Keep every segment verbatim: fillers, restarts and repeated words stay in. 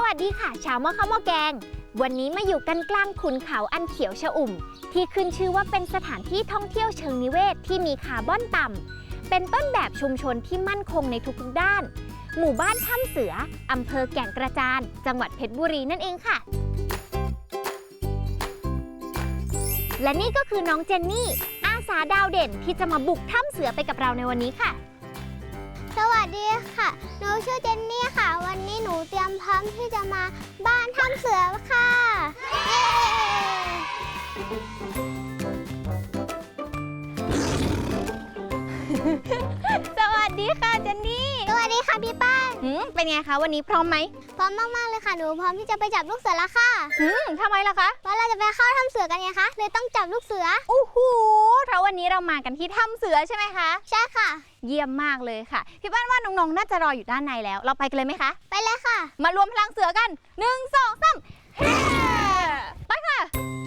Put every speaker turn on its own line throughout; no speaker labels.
วัสดีค่ะชาวหม้อข้าวหม้อแกงวันนี้มาอยู่กันกลางขุนเขาอันเขียวชอุ่มที่ขึ้นชื่อว่าเป็นสถานที่ท่องเที่ยวเชิงนิเวศที่มีคาร์บอนต่ำเป็นต้นแบบชุมชนที่มั่นคงในทุกๆด้านหมู่บ้านถ้ำเสืออำเภอแก่งกระจานจังหวัดเพชรบุรีนั่นเองค่ะและนี่ก็คือน้องเจนนี่อาสาดาวเด่นที่จะมาบุกถ้ำเสือไปกับเราในวันนี้ค่ะ
สวัสดีค่ะหนูชื่อเจนนี่ค่ะวันนี้หนูเตรียมพร้อมที่จะมาบ้านถ้ำเสือค่ะเย้
สวัสดีค่ะเจนนี่
สวัสดีค่ะพี่ป้าน
เป็นไงคะวันนี้พร้อมไหม
พร้อมมากๆเลยค่ะหนูพร้อมที่จะไปจับลูกเสือแล้วค่ะ
อืมทำไมล่ะคะ
เพราะเราจะไปเข้าถ้ำเสือกันไงคะเลยต้องจับลูกเสือ
โอ้โหเพราะวันนี้เรามากันที่ถ้ำเสือใช่ไหมคะ
ใช่ค่ะ
เยี่ยมมากเลยค่ะพี่ป้านว่าน้องๆน่าจะรออยู่ด้านในแล้วเราไปกันเลยไหมคะ
ไปเลยค่ะ
มารวมพลังเสือกันหนึ่งสองสามเฮ้ไปค่ะ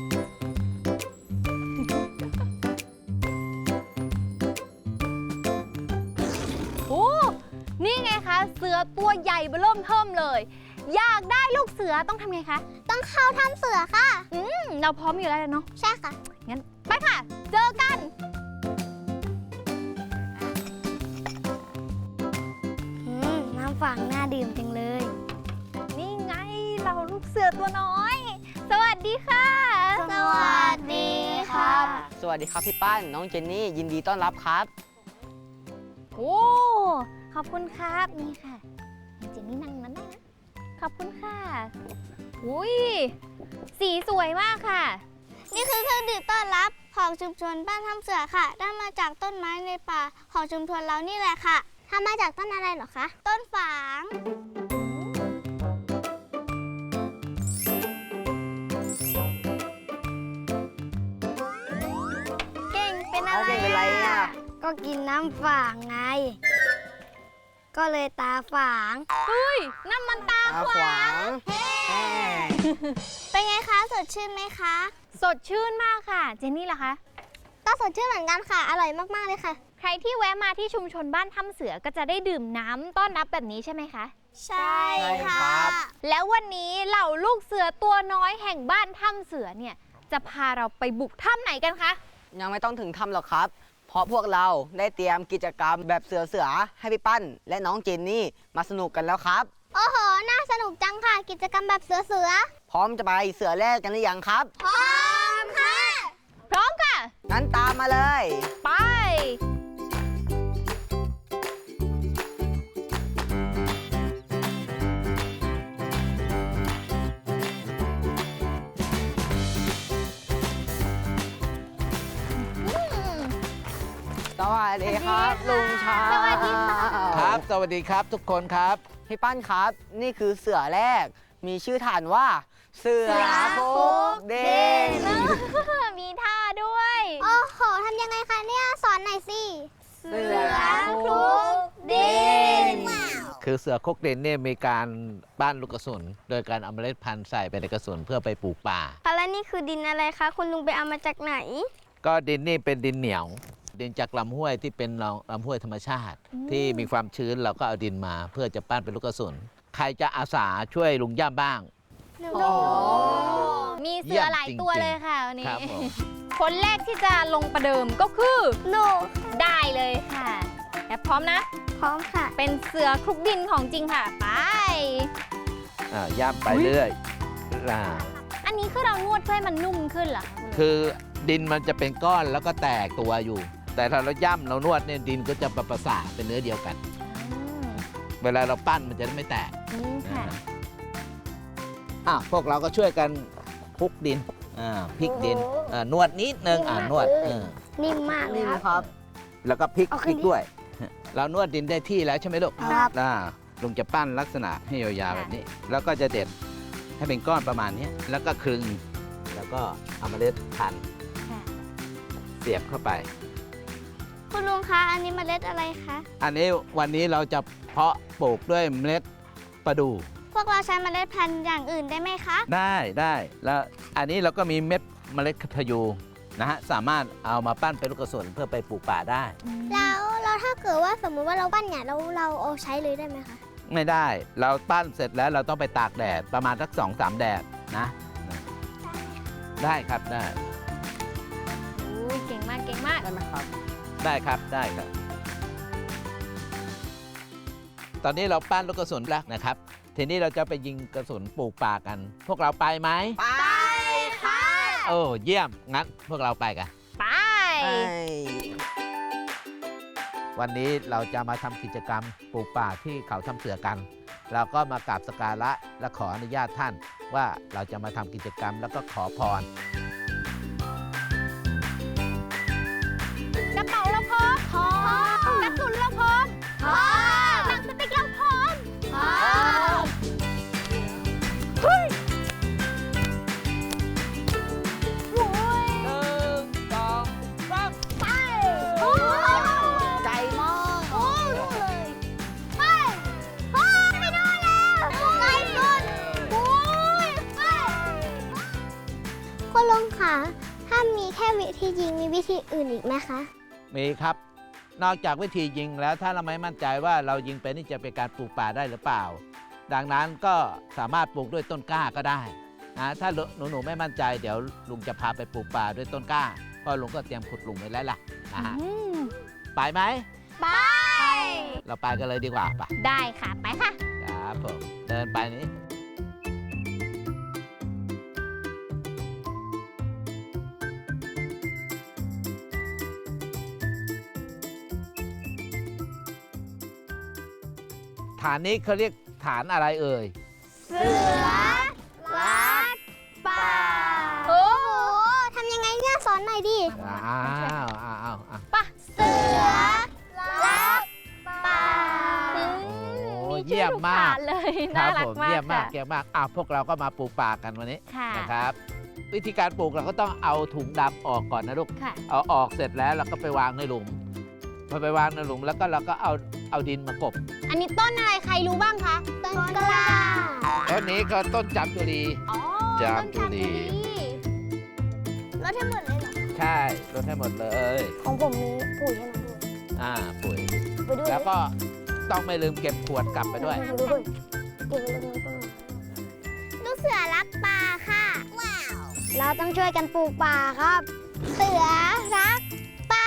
โอ้นี่ไงคะเสือตัวใหญ่เบิ่มเทิ่มเลยอยากได้ลูกเสือต้องทำไงคะ
ต้องเข้าถ้ำเสือค่ะ
อืมเราพร้อมอยู่แล้วเนาะ
ใช่ค่ะ
งั้นไปค่ะเจอกัน
น้ำฝังน่าดื่มจังเลย
นี่ไงเราลูกเสือตัวน้อยสวัสดีค่ะ
สวัสดีครับ
สวัสดีครับพี่ป้านน้องเจนนี่ยินดีต้อนรับครับ
โอ้ขอบคุณครับนี่ค่ะเจนนี่นั่งนั้นได้นะขอบคุณค่ะอุ้ยสีสวยมากค่ะ
นี่คือเครื่องดื่มต้อนรับของชุมชนบ้านถ้ำเสือค่ะได้มาจากต้นไม้ในป่าของชุมชนเรานี่แหละค่ะทำมาจากต้นอะไรเหรอคะต้นฝางเก่งเป็นอะไรอ่ะก็กินน้ำฝางไงก็เลยตาฝาง
เฮ้ยนั่นมันตาขวาง
เป็นไงคะสดชื่นไหมคะ
สดชื่นมากค่ะเจนนี่ล่ะคะ
ก็สดชื่นเหมือนกันค่ะอร่อยมากๆเลยค่ะ
ใครที่แวะมาที่ชุมชนบ้านถ้ำเสือก็จะได้ดื่มน้ำต้อนรับแบบนี้ใช่ไหมคะ
ใช่ค่ะ
แล้ววันนี้เหล่าลูกเสือตัวน้อยแห่งบ้านถ้ำเสือเนี่ยจะพาเราไปบุกถ้ำไหนกันคะ
ยังไม่ต้องถึงถ้ำหรอกครับเพราะพวกเราได้เตรียมกิจกรรมแบบเสือเสือให้พี่ปั้นและน้องเจนนี่มาสนุกกันแล้วครับ
โอ้โหน่าสนุกจังค่ะกิจกรรมแบบเสือเสือ
พร้อมจะไปเสือแรกกันหรือยังครับ
พร้อมค่ะ
พร้อมค่ะ
งั้นตามมาเลย
ไป
สวัสดีครับลุงชา
สวัสดีค่ะ
ครับสวัสดีครับทุกคนครับ
พี่ปั้นครับนี่คือเสือแรกมีชื่อฐานว่าเสือคุกเด้ง
มีท่าด้วย
โอ้โหทำยังไงคะเนี่ยสอนหน่อยสิ
เสือคุกเด้ง
คือเสือคุกเด้งเนี่ยมีการปั้นลูกกระสุนโดยการเอาเมล็ดพันธุ์ใส่ไปในกระสุนเพื่อไปปลูกป่า
แล้วนี่คือดินอะไรคะคุณลุงไปเอามาจากไหน
ก็ดินนี่เป็นดินเหนียวดินจากลำห้วยที่เป็นลำห้วยธรรมชาติที่มีความชื้นเราก็เอาดินมาเพื่อจะปั้นเป็นลูกกระสุนใครจะอาสาช่วยลุงย่าบ้าง
โอ้มีเสือหลายตัวเลยค่ะวันนี้คนแรกที่จะลงประเดิมก็คือ
หนู
ได้เลยค่ะแอบพร้อมนะ
พร้อมค่ะ
เป็นเสือคลุกดินของจริงค่ะไป
อ่าย่ำไปเรื่อย
อันนี้คือเรานวดเพื่อให้มันนุ่มขึ้นเหรอ
คือดินมันจะเป็นก้อนแล้วก็แตกตัวอยู่แต่ถ้าเราย่ำเรานวดเนี่ยดินก็จะประสานเป็นเนื้อเดียวกันเวลาเราปั้นมันจะไม่แตกอ่ะพวกเราก็ช่วยกันคลุกดินอ่าพลิกดินอ่านวดนิดนึงอ่านวด
นิ่มมากเลยครับ
แล้วก็พลิกพลิกด้วยเรานวดดินได้ที่แล้วใช่ไหมลูก
ครับ
อ่าลุงจะปั้นลักษณะให้ยาวๆแบบนี้แล้วก็จะเด็ดให้เป็นก้อนประมาณนี้แล้วก็คลึงแล้วก็เอาเมล็ดพันธุ์เสียบเข้าไป
คุณลุงคะอันนี้เมล็ดอะไรคะ
อันนี้วันนี้เราจะเพาะปลูกด้วยเมล็ดประดู่
พวกเราใช้เมล็ดพันธุ์อย่างอื่นได้ไหมคะ
ได้ได้แล้วอันนี้เราก็มีเม็ดเมล็ดพะยูนะฮะสามารถเอามาปั้นเป็นลูกกระสุนเพื่อไปปลูกป่าได้
แล้วเราถ้าเกิดว่าสมมุติว่าเราปั้นเนี่ยเราเราเอาใช้เลยได้ไหมคะ
ไม่ได้ เราปั้นเสร็จแล้วเราต้องไปตากแดดประมาณสักสองสามแดดนะนะได้ครับได้
อุ้ยเก่งมากเก่งมาก
ได้ไหมครับ
ได้ครับได้ครับ ตอนนี้เราปั้นลูกกระสุนแล้วนะครับ ทีนี้เราจะไปยิงกระสุนปลูกป่ากัน พวกเราไปไหม
ไป
ค่ะ
โอ้เยี่ยมงั้นพวกเราไปกัน
ไป
ไป
วันนี้เราจะมาทำกิจกรรมปลูกป่าที่เขาทำเสือกัน เราก็มากราบสักการะและขออนุญาตท่านว่าเราจะมาทำกิจกรรมแล้วก็ขอพร
กระเป๋าเราพร้อมพร้อมกระสุนเราพร้อมพร้อมหนังสติ๊กเราพร้อมพร้อมเฮ้ยโอ้ย
หนึ่งสองสาม
ไปโอ้ย
ใจมาก
โอ้ยรู้เลยไปโอ้ยไม่ได้แล้วไกลสุดโอ้ยไป
คุณลุงคะถ้ามีแค่วิธียิงมีวิธีอื่นอีกไหมคะ
มีครับ นอกจากวิธียิงแล้วถ้าเราไม่มั่นใจว่าเรายิงเป็นนี่จะเป็นการปลูกป่าได้หรือเปล่า ดังนั้นก็สามารถปลูกด้วยต้นกล้าก็ได้นะถ้าหนูๆไม่มั่นใจเดี๋ยวลุงจะพาไปปลูกป่าด้วยต้นกล้าเพราะลุงก็เตรียมขุดหลุมไว้แล้วล่ะนะฮะ
อืม
ไปไหม
ไป
เราไปกันเลยดีกว่าปะ
ได้ค่ะ ไปค่ะ
ครับผมเดินไปนี้ฐานนี้เขาเรียกฐานอะไรเอ่ย
เสือรักป่า
โอ้โหทำยังไงเนี่ยสอนหน่อยดิ
อ้าวอ้าวอ้าวอ้าว
ป่ะเสือรักป่า
โอ้เยี่ยมมาก
เลย
ค
น่า
รับ
รัก
ผม
มาก
เยี่ยมมาก
ค่ะ
เยี่ยมมากอ่ะพวกเราก็มาปลูกป่ากันวันนี้
ค่ะ
นะครับ วิธีการปลูกเราก็ต้องเอาถุงดำออกก่อนนะลูก
ค่ะ
เอาออกเสร็จแล้วเราก็ไปวางในหลุมพอไปวางในหลุมแล้วก็เราก็เอาเอาดินมากบ
อันนี้ต้นอะไรใครรู้บ้างคะ
ต้นกล้า
ต้นนี้ก็ต้นจามจุรี
อ๋อ
จามจุรี
รถทั้งหมดเลยเหรอ
ใช่ลดให้หมดเลย
ของผมมีปุ๋ยให้น้องด้วย
อ่าปุ๋ย
ไปด้วย
แล้วก็ต้องไม่ลืมเก็บขวดกลับไปด้วย
ไปด้วยเก็บไว้ตรงนี้ต้นลูกเสือรักป่าค่ะ ว้าว เราต้องช่วยกันปลูกป่าครับ เสือรักป่า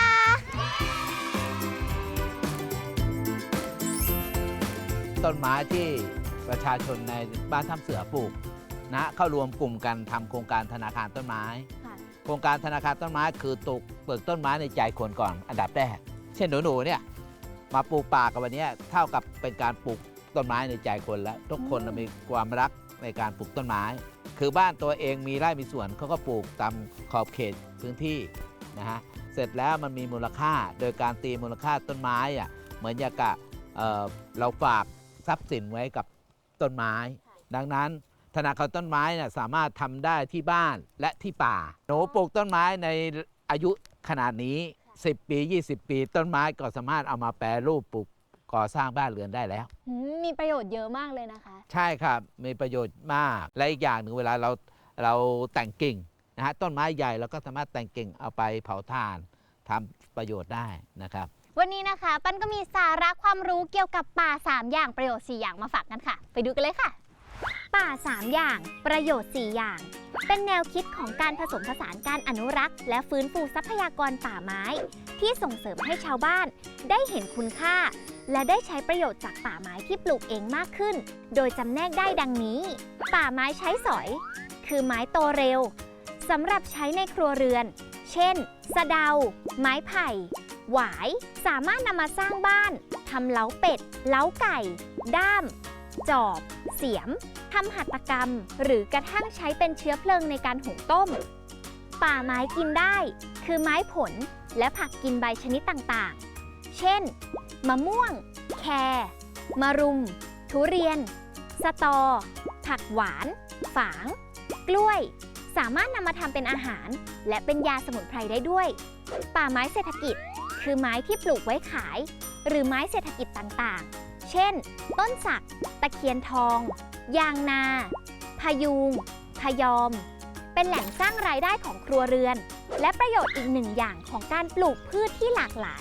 ต้นไม้ที่ประชาชนในบ้านถ้ำเสือปลูกนะเข้ารวมกลุ่มกันทำโครงการธนาคารต้นไม้
ค่ะ
โครงการธนาคารต้นไม้คือตกเปลือกต้นไม้ในใจคนก่อนอันดับแรกเช่นหนูๆเนี่ยมาปลูกป่ากับวันนี้เท่ากับเป็นการปลูกต้นไม้ในใจคนแล้วทุกคนมีความรักในการปลูกต้นไม้ คือบ้านตัวเองมีไร่มีสวนเขาก็ปลูกตามขอบเขตพื้นที่นะฮะเสร็จแล้วมันมีมูลค่าโดยการตีมูลค่าต้นไม้อะเหมือนอย่างกับเอ่อเราฝากทรัพย์สินไว้กับต้นไม้ ดังนั้นธนาคารต้นไม้เนี่ยสามารถทำได้ที่บ้านและที่ป่าหนูปลูกต้นไม้ในอายุขนาดนี้สิบปี ยี่สิบ ปีต้นไม้ก็สามารถเอามาแปรรูปปลูกก่อสร้างบ้านเรือนได้แล้ว
อืมมีประโยชน์เยอะมากเลยนะคะ
ใช่ครับมีประโยชน์มากและอีกอย่างหนึ่งเวลาเราเราแต่งกิ่งนะฮะต้นไม้ใหญ่เราก็สามารถแต่งกิ่งเอาไปเผาถ่านทำประโยชน์ได้นะครับ
วันนี้นะคะ ปั้นก็มีสาระความรู้เกี่ยวกับป่า สาม อย่างประโยชน์ สี่ อย่างมาฝากกันค่ะ ไปดูกันเลยค่ะ ป่า สาม อย่างประโยชน์ สี่ อย่าง เป็นแนวคิดของการผสมผสานการอนุรักษ์ และฟื้นฟูทรัพยากรป่าไม้ ที่ส่งเสริมให้ชาวบ้านได้เห็นคุณค่า และได้ใช้ประโยชน์จากป่าไม้ที่ปลูกเองมากขึ้น โดยจำแนกได้ดังนี้ ป่าไม้ใช้สอย คือไม้โตเร็วสำหรับใช้ในครัวเรือน เช่น สะเดา ไม้ไผ่ หวาย สามารถนำมาสร้างบ้านทำเล้าเป็ด เล้าไก่ ด้าม จอบ เสียมทำหัตถกรรม หรือกระทั่งใช้เป็นเชื้อเพลิงในการหุงต้ม ป่าไม้กินได้ คือไม้ผลและผักกินใบชนิดต่างๆ เช่น มะม่วง แครมะรุม ทุเรียน สตอ ผักหวาน ฝาง กล้วย สามารถนำมาทำเป็นอาหาร และเป็นยาสมุนไพรได้ด้วย ป่าไม้เศรษฐกิจ คือไม้ที่ปลูกไว้ขาย หรือไม้เศรษฐกิจต่างๆ เช่น ต้นสัก ตะเคียนทอง ยางนา พะยูง พะยอม เป็นแหล่งสร้างรายได้ของครัวเรือน และประโยชน์อีกหนึ่งอย่างของการปลูกพืชที่หลากหลาย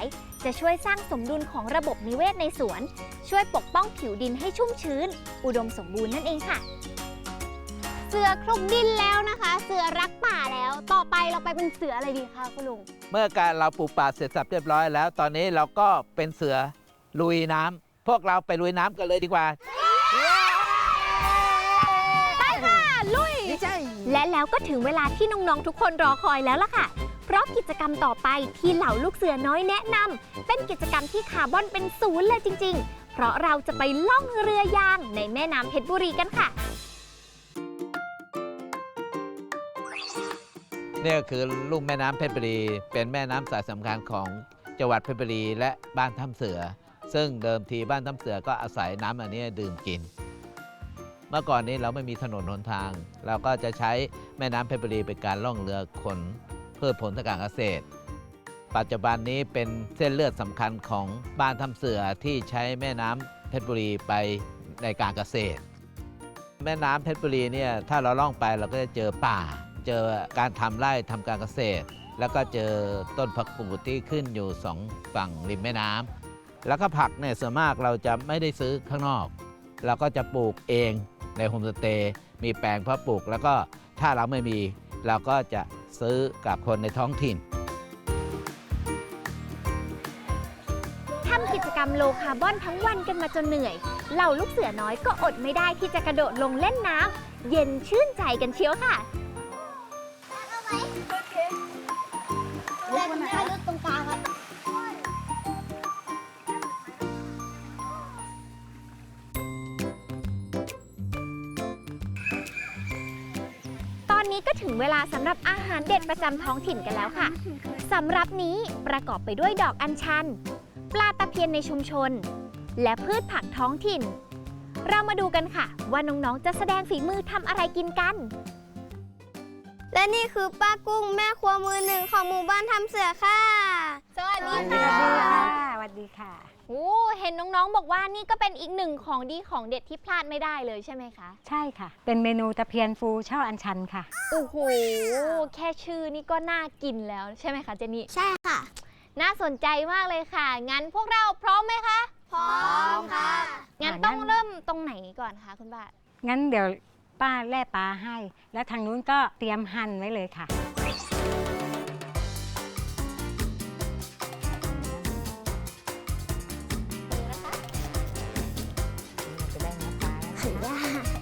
จะช่วยสร้างสมดุลของระบบนิเวศในสวน ช่วยปกป้องผิวดินให้ชุ่มชื้น อุดมสมบูรณ์นั่นเองค่ะ
เสือคลุกดินแล้วนะคะ เสือรักป่าแล้ว ต่อไปเราไปเป็นเสืออะไรดีคะคุณลุง
เมื่อการเราปลูกป่าเสร็จสับเรียบร้อยแล้ว ตอนนี้เราก็เป็นเสือลุยน้ำพวกเราไปลุยน้ำกันเลยดีกว่า
และแล้วก็ถึงเวลาที่น้องๆทุกคนรอคอยแล้วล่ะค่ะ เพราะกิจกรรมต่อไปที่เหล่าลูกเสือน้อยแนะนำเป็นกิจกรรมที่คาร์บอนเป็นศูนย์เลยจริงๆ เพราะเราจะไปล่องเรือยางในแม่น้ำเพชรบุรีกันค่ะ
นี่ก็คือลุ่มแม่น้ำเพชรบุรีเป็นแม่น้ำสายสำคัญของจังหวัดเพชรบุรีและบ้านถ้ำเสือ ซึ่งเดิมทีบ้านถ้ำเสือก็อาศัยน้ำอันนี้ดื่มกิน เมื่อก่อนนี้เราไม่มีถนนหนทาง เราก็จะใช้แม่น้ำเพชรบุรีเป็นการล่องเรือขนพืชผลทางการเกษตร ปัจจุบันนี้เป็นเส้นเลือดสำคัญของบ้านถ้ำเสือที่ใช้แม่น้ำเพชรบุรีไปในการเกษตร แม่น้ำเพชรบุรีเนี่ยถ้าเราล่องไปเราก็จะเจอป่า เจอการทำไร่ทำการเกษตร แล้วก็เจอต้นผักกูดที่ขึ้นอยู่สองฝั่งริมแม่น้ำแล้วก็ผักเนี่ยส่วนมากเราจะไม่ได้ซื้อข้างนอก เราก็จะปลูกเองในโฮมสเตย์มีแปลงเพาะปลูกแล้วก็ถ้าเราไม่มีเราก็จะซื้อกับคนในท้องถิ่น
ทำกิจกรรมโลคาร์บอนทั้งวันกันมาจนเหนื่อย เหล่าลูกเสือน้อยก็อดไม่ได้ที่จะกระโดดลงเล่นน้ำเย็นชื่นใจกันเชียวค่ะ
เล่นให้ลึกตรงกลางครับ
ตอนนี้ก็ถึงเวลาสำหรับอาหารเด็ดประจำท้องถิ่นกันแล้วค่ะสำหรับนี้ประกอบไปด้วยดอกอัญชัน ปลาตะเพียนในชุมชน และพืชผักท้องถิ่น เรามาดูกันค่ะว่าน้องๆจะแสดงฝีมือทำอะไรกินกัน
และนี่คือป้ากุ้งแม่ครัวมือหนึ่งของหมู่บ้านทำเสือค่ะ สวัสดีค่ะ
สวัสดีค่ะ
โอ้เห็นน้องๆบอกว่านี่ก็เป็นอีกหนึ่งของดีของเด็ดที่พลาดไม่ได้เลยใช่ไหมคะ
ใช่ค่ะ เป็นเมนูตะเพียนฟูช่ออัญชันค่ะ
โอ้โหแค่ชื่อนี่ก็น่ากินแล้วใช่ไหมคะเจนี่
ใช่ค่ะ
น่าสนใจมากเลยค่ะงั้นพวกเราพร้อมไหมคะ
พร้อมค่ะ
งั้น
อ่า
ต้อง
งั้น
เริ่มตรงไหนก่อนคะคุณป้า
งั้นเดี๋ยวป้าแล่ปลาให้ แล้วทางนู้นก็เตรียมหั่นไว้เลยค่ะ จะได้เนื้อปลาแล้ว
ถือว่า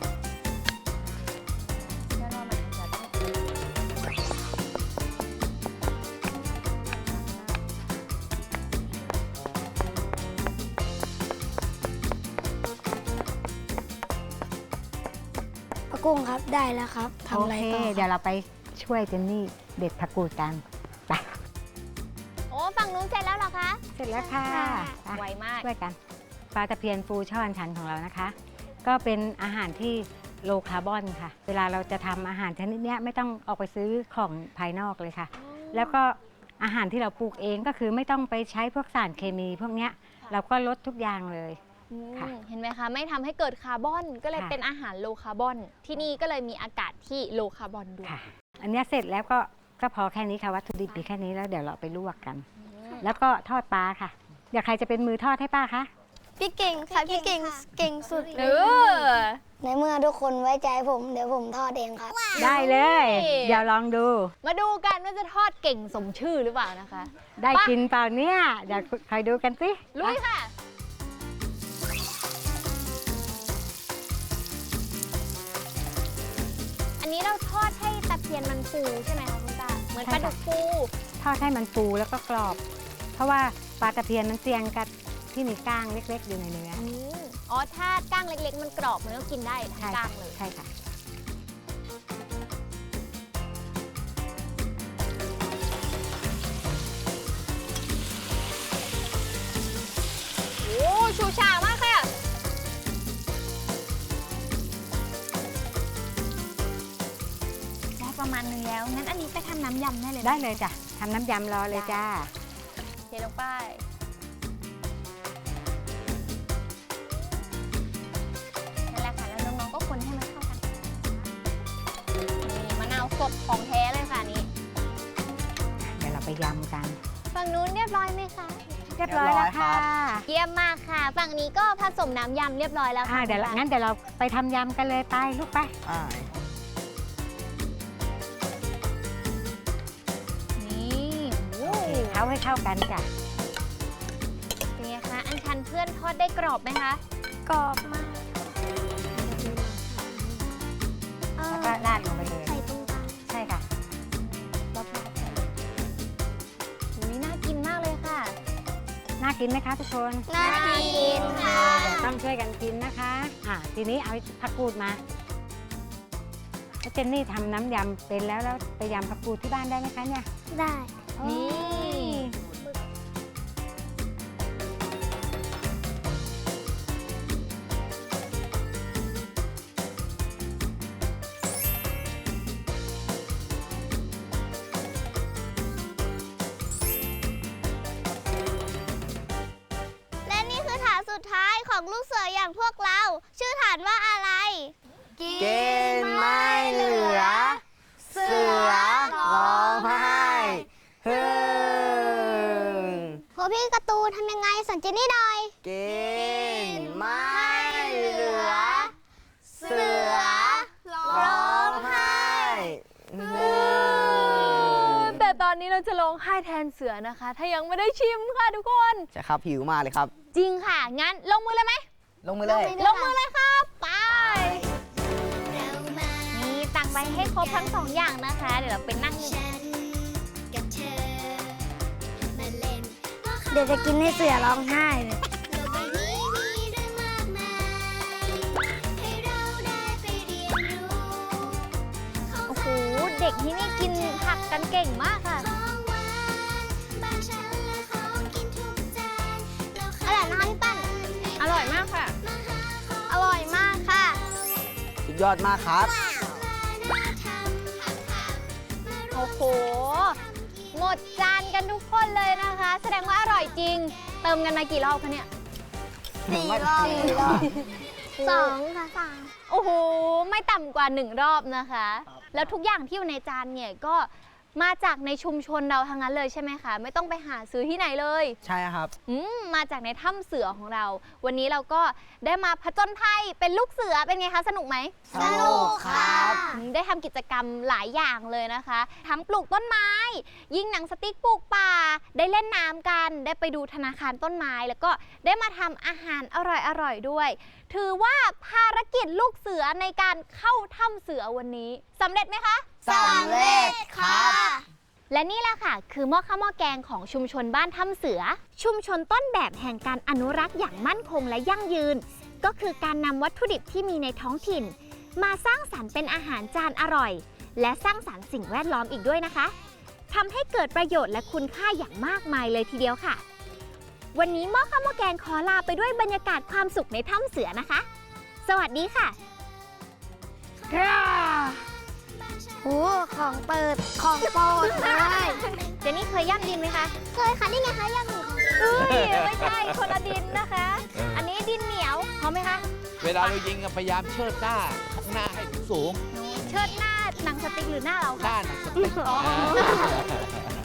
ป้ากุ้งครับได้แล้วครับทำ
โอ
อะไร
เค
ต่อ
เดี๋ยวเราไปช่วยเจนนี่เด็ดผักกูดกันไป
โอ้ฝั่งนู้นเสร็จแล้วเหรอคะ
เสร็จแล้วค่ะไป
ไวมาก
ช่วยกัน ปลาตะเพียนฟูช่ออัญชันของเรานะคะ ก็เป็นอาหารที่โลคาร์บอนค่ะ เวลาเราจะทำอาหารชนิดเนี้ยไม่ต้องออกไปซื้อของภายนอกเลยค่ะ แล้วก็อาหารที่เราปลูกเองก็คือไม่ต้องไปใช้พวกสารเคมีพวกเนี้ยเราก็ลดทุกอย่างเลย
อืม
ค่ะ
เห็นไหมคะไม่ทำให้เกิดคาร์บอนก็เลย
ค่ะ
เป็นอาหารโลคาร์บอน ที่นี่ก็เลยมีอากาศที่โลคาร์บอนด้วย
ค่ะ อันเนี้ยเสร็จแล้วก็ก็พอแค่นี้ค่ะวัตถุดิบมีแค่นี้แล้วเดี๋ยวเราไปลวกกัน แล้วก็ทอดปลาค่ะอยากใครจะเป็นมือทอดให้ป้าคะ
พี่เก่งค่ะ พี่เก่งเก่งสุด
เอ
เลย
อ
ในเมื่อทุกคนไว้ใจผมเดี๋ยวผมทอดเองครับ
ได้เลย
นี่
เดี๋ยวลองดู
มาดูกันว่าจะทอดเก่งสมชื่อหรือเปล่านะคะ
ได้
ไป
กินเปล่าเนี่ยเดี๋ยวคอยดูกันสิ
ลุยค่ะ อันนี้เราทอดให้ตะเพียนมันฟูใช่ไหมคะคุณตาเหมือนปลาดุกฟู
ทอดให้มันฟูแล้วก็กรอบ เพราะว่าปลาตะเพียนมันเสี่ยงกับที่มีก้างเล็กๆอยู่ในเนื้อ
อืมอ๋อ ถ้าก้างเล็กๆ มันกรอบมันก็กินได้ทั้ง
ใช่
ก้า
ค่ะ
งเลย
ใช่ค่ะ
โอ้ชูชามากค่ะ ได้ประมาณนึงแล้ว งั้นอันนี้ไปทำน้ำยำได้เลยหม
ได้เลยจ้ะทำน้ำยำรอเลยจ้า
เทลงไป นั่นแหละค่ะ แล้วน้องๆก็คนให้มันเข้ากัน นี่มะนาวสดของแท้เลยค่ะอันนี้
เดี๋ยวเราไปยำกัน
ฝั่งนู้นเรียบร้อยไหมคะ
ยรียบร้อยแล้วค่ะ
เยี่ยมมากค่ะ ฝั่งนี้ก็ผสมน้ำยำเรียบร้อยแล้ว
อ่า
ค่ะ
เดี๋ยวเรา
คุณ
งั้นเดี๋ยวเราไปทำยำกันเลยไปลูกไป
อ่า
นี่โอ้
โอเคเข้าให้เข้ากันจ้ะ
เป็นไงคะอันชันเพื่อนทอดได้กรอบไหมคะ
กรอบมากเอ
แล้ว
อ
ก็ราดลงไปเลย
ใส่ตรงกลาง
ใช่ค่ะ
รอบๆอุ้ยน่ากินมากเลยค่ะ
น่ากินไหมคะทุกคน
น่ากินค่ะ
เดี๋ยวต้องช่วยกันกินนะคะ อ่าทีนี้เอาผักกูดมาแล้วเจนนี่ทำน้ำยำเป็นแล้วแล้วไปยำผักกูดที่บ้านได้ไหมคะเนี่ย
ได้
นี่
และนี่คือฐานสุดท้ายของลูกเสืออย่างพวกเรา ชื่อฐานว่าอะไร
เกณฑ์ไม่เหลือ เสือร้องไห้ฮึ่ง
โหพี่การ์ตูนทำยังไงสอนเจนนี่หน่อย
เกณฑ์ไม่เหลือ เสือร้องไห้ฮึ่ง
แต่ตอนนี้เราจะร้องไห้แทนเสือนะคะ ถ้ายังไม่ได้ชิมค่ะทุกคน
ใช่ครับหิวมากเลยครับ
จริงค่ะ งั้นลงมือเลยไหม
ลงมือเลย
ลงมือเลยครับ ไป นี่ตักไปให้ครบทั้งสองอย่างนะคะ เดี๋ยวเราไปนั่ง
เดี๋ยวจะกินให้เสือร้องไห้เลย
โอ้โห เด็กที่นี่กินผักกันเก่งมากค่ะ
อร่อยมากพี่ปั้น
อร่อยมากค่ะ
อร่อยมากค่ะ
สุดยอดมากครับ
โอ้โห หมดจานกันทุกคนเลยนะคะ แสดงว่าอร่อยจริง เติมกันมากี่รอบคะเนี่ย
สี่รอบสองค่ะสาม
โอ้โห ไม่ต่ำกว่าหนึ่งรอบนะคะ แล้วทุกอย่างที่อยู่ในจานเนี่ยก็มาจากในชุมชนเราทั้งนั้นเลยใช่ไหมคะ ไม่ต้องไปหาซื้อที่ไหนเลย
ใช่ครับ
อืมมาจากในถ้ำเสือของเรา วันนี้เราก็ได้มาผจญภัยเป็นลูกเสือเป็นไงคะ สนุกไหม
สนุกครับ
อืมได้ทำกิจกรรมหลายอย่างเลยนะคะ ทั้งปลูกต้นไม้ ยิงหนังสติ๊กปลูกป่า ได้เล่นน้ำกัน ได้ไปดูธนาคารต้นไม้ แล้วก็ได้มาทำอาหารอร่อยๆด้วย ถือว่าภารกิจลูกเสือในการเข้าถ้ำเสือวันนี้สำเร็จไหมคะ
สำเร็จครับ
และนี่แหละค่ะ คือหม้อข้าวหม้อแกงของชุมชนบ้านถ้ำเสือ ชุมชนต้นแบบแห่งการอนุรักษ์อย่างมั่นคงและยั่งยืน ก็คือการนำวัตถุดิบที่มีในท้องถิ่น มาสร้างสรรค์เป็นอาหารจานอร่อย และสร้างสรรค์สิ่งแวดล้อมอีกด้วยนะคะทำให้เกิดประโยชน์และคุณค่าอย่างมากมายเลยทีเดียวค่ะ วันนี้หม้อข้าวหม้อแกงขอลาไปด้วยบรรยากาศความสุขในถ้ำเสือนะคะ สวัสดีค่ะ
โอ้ของเปิด ของโปรดเลย
เจนนี่เคยย่ำดินไหมคะ
เคยค่ะ นี่ไงคะย่างหมูของ
เอ้ยไม่ใช่คนละดินนะคะ อันนี้ดินเหนียวพร้อมไหมคะ
เวลาเรายิงอะพยายามเชิดหน้าข้างหน้าให้สูง
เชิดหน้าหนังสติ๊กหรือหน้าเรา
ๆห
คะ
น้าหนังสติ๊ก
อ๋อ